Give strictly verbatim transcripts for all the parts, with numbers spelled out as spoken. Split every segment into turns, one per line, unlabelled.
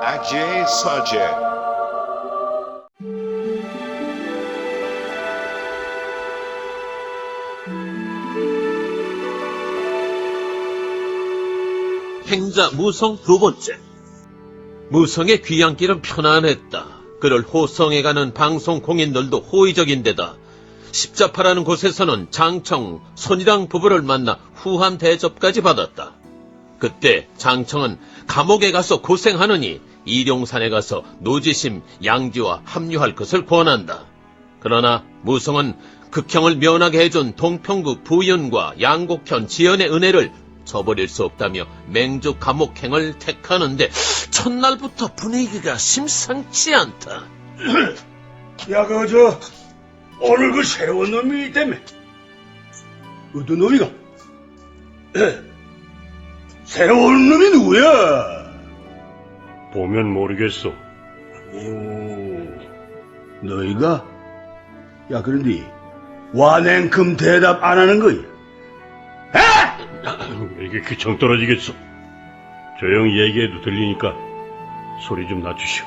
Ajay Sajay.
행자 무성 두 번째. 무성의 귀향길은 편안했다. 그를 호성에 가는 방송 공인들도 호의적인데다 십자파라는 곳에서는 장청, 손이랑 부부를 만나 후한 대접까지 받았다. 그때 장청은 감옥에 가서 고생하느니 일용산에 가서 노지심, 양지와 합류할 것을 권한다. 그러나 무성은 극형을 면하게 해준 동평구 부윤과 양곡현 지연의 은혜를 저버릴 수 없다며 맹주 감옥행을 택하는데 첫날부터 분위기가 심상치 않다.
야, 그, 저, 오늘 그 새로운 놈이 있다며. 어떤 놈이가? 새로운 놈이 누구야?
보면 모르겠어.
오, 너희가? 야, 그런데, 완행큼 대답 안 하는 거야? 에?
이게 귀청 떨어지겠어. 조용히 얘기해도 들리니까 소리 좀 낮추시오.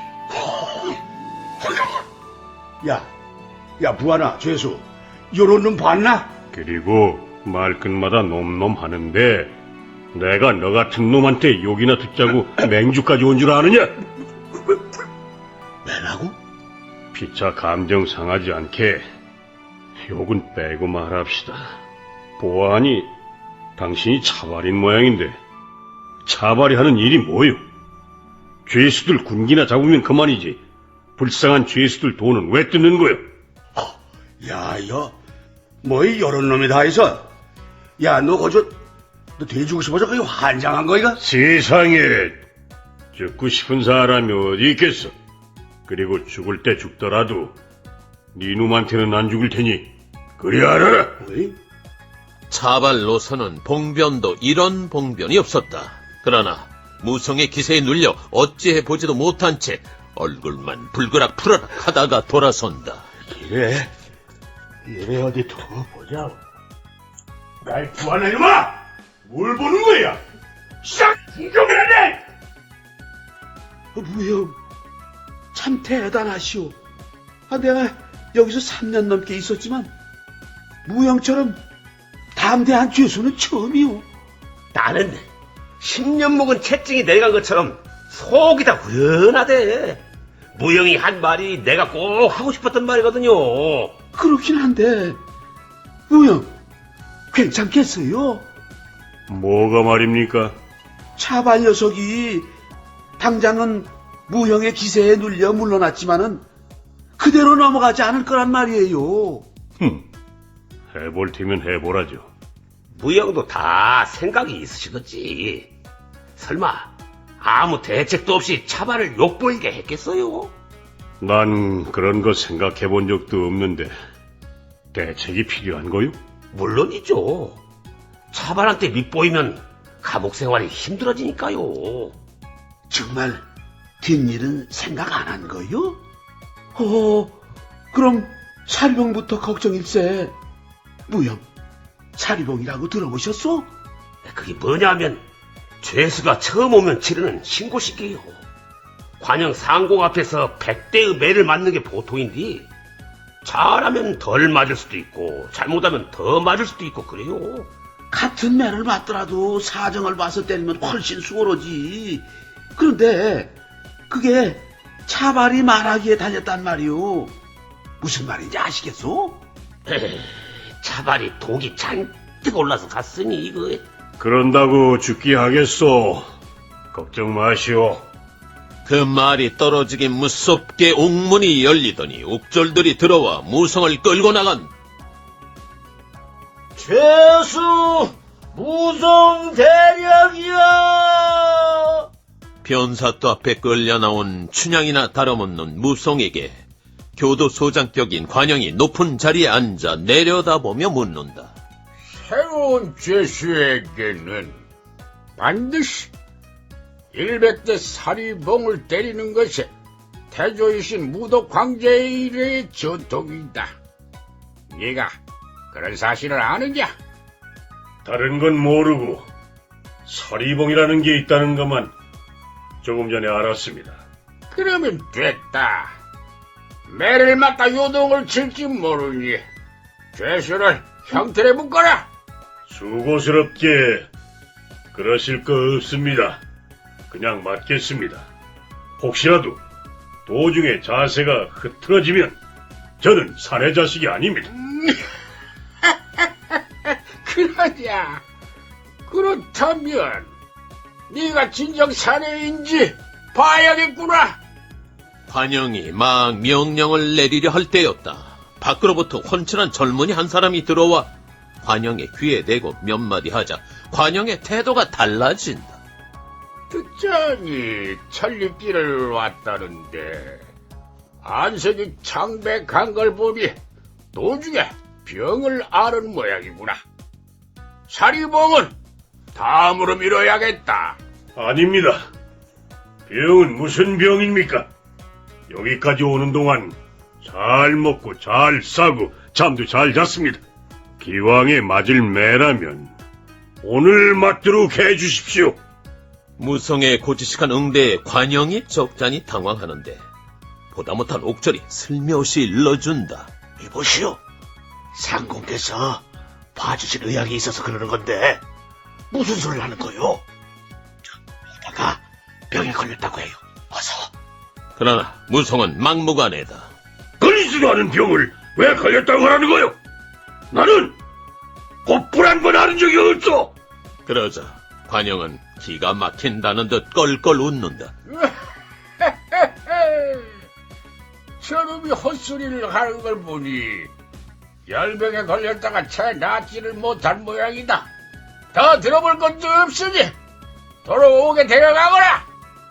야, 야, 부하나, 죄수, 요런 놈 봤나?
그리고 말끝마다 놈놈 하는데 내가 너 같은 놈한테 욕이나 듣자고 맹주까지 온 줄 아느냐?
왜라고?
피차 감정 상하지 않게 욕은 빼고 말합시다. 보아하니 당신이 차발인 모양인데 차발이 하는 일이 뭐요? 죄수들 군기나 잡으면 그만이지. 불쌍한 죄수들 돈은 왜 뜯는 거요?
야, 야, 뭐이 요런 놈이 다 있어? 야, 너 거저, 너 돼지고 싶어서 그게 환장한 거이가?
세상에 죽고 싶은 사람이 어디 있겠어. 그리고 죽을 때 죽더라도 네 놈한테는 안 죽을 테니 그리 알아라.
어이?
차발로서는 봉변도 이런 봉변이 없었다. 그러나 무성의 기세에 눌려 어찌해 보지도 못한 채 얼굴만 불그락 푸르락 하다가 돌아선다.
이래, 이래 어디 두고 보자. 날 구하는 이놈아! 뭘 보는 거야? 싹 구경해야 돼! 어, 무형, 참 대단하시오. 아, 내가 여기서 삼 년 넘게 있었지만 무형처럼 담대한 죄수는 처음이오.
나는 십 년 묵은 채증이 내려간 것처럼 속이 다 후련하대. 무영이 한 말이 내가 꼭 하고 싶었던 말이거든요.
그렇긴 한데 무형, 괜찮겠어요?
뭐가 말입니까?
차발 녀석이 당장은 무형의 기세에 눌려 물러났지만은 그대로 넘어가지 않을 거란 말이에요.
흠, 해볼 테면 해보라죠.
무영도 다 생각이 있으시겠지. 설마 아무 대책도 없이 차발을 욕보이게 했겠어요?
난 그런 거 생각해 본 적도 없는데 대책이 필요한 거요?
물론이죠. 차발한테 밑보이면 감옥 생활이 힘들어지니까요.
정말 뒷일은 생각 안 한 거요? 어, 그럼 사리봉부터 걱정일세. 무형, 사리봉이라고 들어보셨소?
그게 뭐냐면 죄수가 처음 오면 치르는 신고식이에요. 관영 상공 앞에서 백 대의 매를 맞는 게 보통인데 잘하면 덜 맞을 수도 있고 잘못하면 더 맞을 수도 있고 그래요.
같은 매를 맞더라도 사정을 봐서 때리면 훨씬 수월하지. 그런데 그게 차발이 말하기에 달렸단 말이오. 무슨 말인지 아시겠소?
에이, 차발이 독이 잔뜩 올라서 갔으니 이거.
그런다고 죽기 하겠소. 걱정 마시오.
그 말이 떨어지긴 무섭게 옥문이 열리더니 옥졸들이 들어와 무성을 끌고 나간.
죄수 무성 대령이야.
변사또 앞에 끌려 나온 춘향이나 다름없는 무성에게 교도소장격인 관영이 높은 자리에 앉아 내려다보며 묻는다.
새로운 죄수에게는 반드시 일백 대 사리봉을 때리는 것이 태조이신 무도 황제의 일의 전통이다. 네가 그런 사실을 아느냐?
다른 건 모르고 서리봉이라는 게 있다는 것만 조금 전에 알았습니다.
그러면 됐다. 매를 맞다 요동을 칠지 모르니 죄수를 형틀에 묶어라.
수고스럽게 그러실 거 없습니다. 그냥 맞겠습니다. 혹시라도 도중에 자세가 흐트러지면 저는 사내 자식이 아닙니다.
그러냐? 그렇다면 네가 진정 사내인지 봐야겠구나.
관영이 막 명령을 내리려 할 때였다. 밖으로부터 훤칠한 젊은이 한 사람이 들어와 관영의 귀에 대고 몇 마디 하자 관영의 태도가 달라진다.
듣자니 천리길을 왔다는데 안색이 창백한 걸 보니 도중에 병을 앓은 모양이구나. 사리봉은 다음으로 미뤄야겠다.
아닙니다. 병은 무슨 병입니까? 여기까지 오는 동안 잘 먹고 잘 싸고 잠도 잘 잤습니다. 기왕에 맞을 매라면 오늘 맞도록 해주십시오.
무성의 고지식한 응대에 관영이 적잖이 당황하는데 보다 못한 옥절이 슬며시 일러준다.
이보시오. 상공께서 봐주실 의향이 있어서 그러는 건데 무슨 소리를 하는 거요? 이다가 병에 걸렸다고 해요. 어서.
그러나 무성은 막무가내다.
걸리지도 않은 병을 왜 걸렸다고 하는 거요? 나는 곧불 한 번 하는 적이 없어.
그러자 관영은 기가 막힌다는 듯 껄껄 웃는다.
저놈이 헛소리를 하는 걸 보니 열병에 걸렸다가 채 낫지를 못한 모양이다. 더 들어볼 것도 없으니 돌아오게 데려가거라.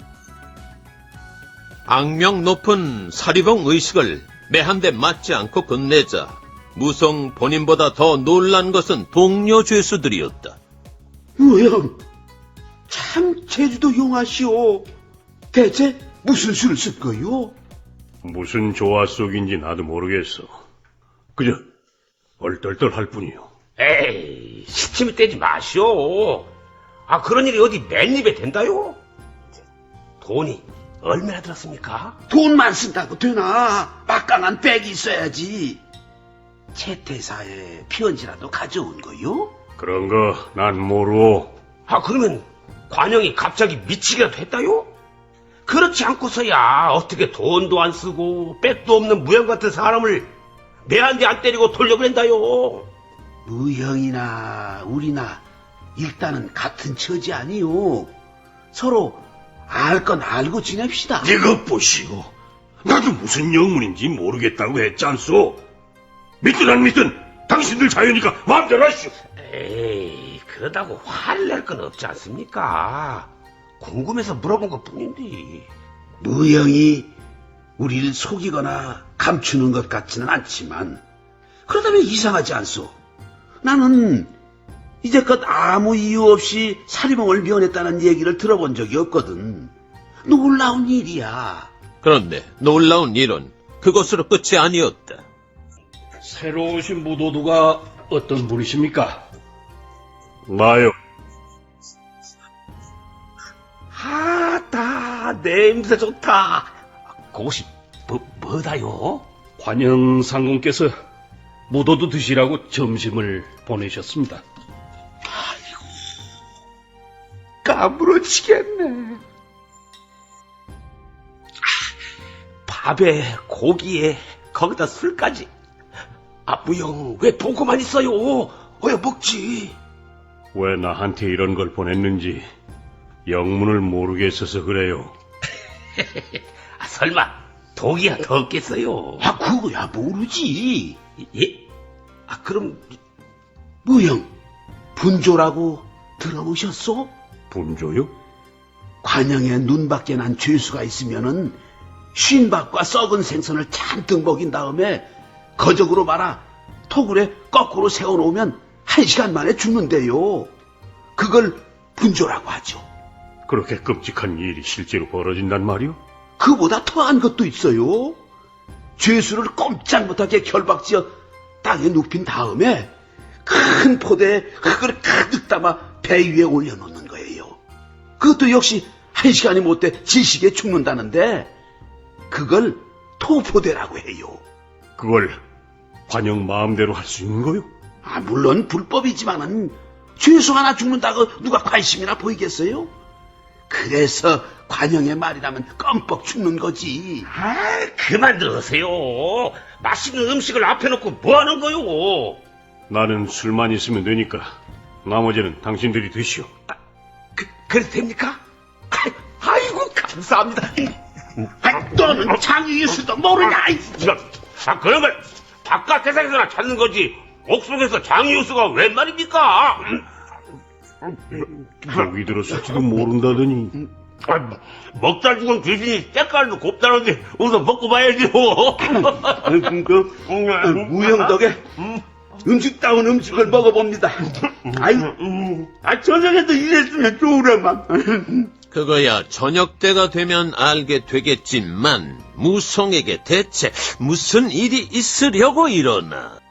악명 높은 사리봉 의식을 매 한 대 맞지 않고 끝내자 무성 본인보다 더 놀란 것은 동료 죄수들이었다.
무형, 참 제주도 용하시오. 대체 무슨 수를 쓸 거요?
무슨 조화 속인지 나도 모르겠어. 그저 얼떨떨할 뿐이요.
에이, 시침이 떼지 마시오. 아, 그런 일이 어디 맨입에 된다요? 돈이 얼마나 들었습니까?
돈만 쓴다고 되나? 막강한 백이 있어야지. 채태사에 편지라도 가져온 거요?
그런 거 난 모르오.
아, 그러면 관영이 갑자기 미치기라도 했다요? 그렇지 않고서야 어떻게 돈도 안 쓰고 백도 없는 무형 같은 사람을 내 한 대 안 때리고 돌려보낸다요?
무형이나 우리나 일단은 같은 처지 아니요. 서로 알 건 알고 지냅시다.
이것 보시오. 나도 무슨 영문인지 모르겠다고 했잖소. 믿든 안 믿든 당신들 자유니까 마음대로 하시오.
에이, 그러다고 화를 낼 건 없지 않습니까? 궁금해서 물어본 것 뿐인데.
무형이 우리를 속이거나 감추는 것 같지는 않지만 그러다면 이상하지 않소. 나는 이제껏 아무 이유 없이 사리봉을 면했다는 얘기를 들어본 적이 없거든. 놀라운 일이야.
그런데 놀라운 일은 그것으로 끝이 아니었다.
새로 오신 무도도가 어떤 분이십니까?
나요.
아따, 냄새 좋다. 그것이 뭐, 뭐다요?
관영 상공께서 무도도 드시라고 점심을 보내셨습니다.
까무러치겠네. 밥에 고기에 거기다 술까지. 아, 무영, 왜 보고만 있어요? 어여 먹지.
왜 나한테 이런 걸 보냈는지 영문을 모르겠어서 그래요.
아, 설마 독이야 더 없겠어요?
아, 그거야 모르지.
예? 아, 그럼
무형, 분조라고 들어보셨소?
분조요?
관영에 눈밖에 난 죄수가 있으면은 쉰밥과 썩은 생선을 잔뜩 먹인 다음에 거적으로 말아 토굴에 거꾸로 세워놓으면 한 시간 만에 죽는데요. 그걸 분조라고 하죠.
그렇게 끔찍한 일이 실제로 벌어진단 말이오?
그보다 더한 것도 있어요. 죄수를 꼼짝 못하게 결박지어 땅에 눕힌 다음에 큰 포대에 흙을 가득 담아 배 위에 올려놓는 거예요. 그것도 역시 한 시간이 못 돼 질식에 죽는다는데 그걸 토포대라고 해요.
그걸 관영 마음대로 할 수 있는 거요?
아, 물론 불법이지만은 죄수 하나 죽는다고 누가 관심이나 보이겠어요? 그래서 관영의 말이라면 껌뻑 죽는 거지.
아, 그만 들으세요. 맛있는 음식을 앞에 놓고 뭐 하는 거요?
나는 술만 있으면 되니까 나머지는 당신들이 드시오.
그, 그래도 됩니까?
아이고, 감사합니다.
아, 너는 장유유수도 모르냐? 아이.
아, 그런 걸 바깥 세상에서나 찾는 거지. 옥속에서 장유수가 웬 말입니까?
여기 들었을지도 모른다더니.
아, 먹다 죽은 귀신이 때깔도 곱다는데 우선 먹고 봐야죠.
무형 덕에 음식다운 음식을 먹어봅니다. 아이, 아, 저녁에도 이랬으면 좋으려만.
그거야 저녁 때가 되면 알게 되겠지만 무성에게 대체 무슨 일이 있으려고 이러나.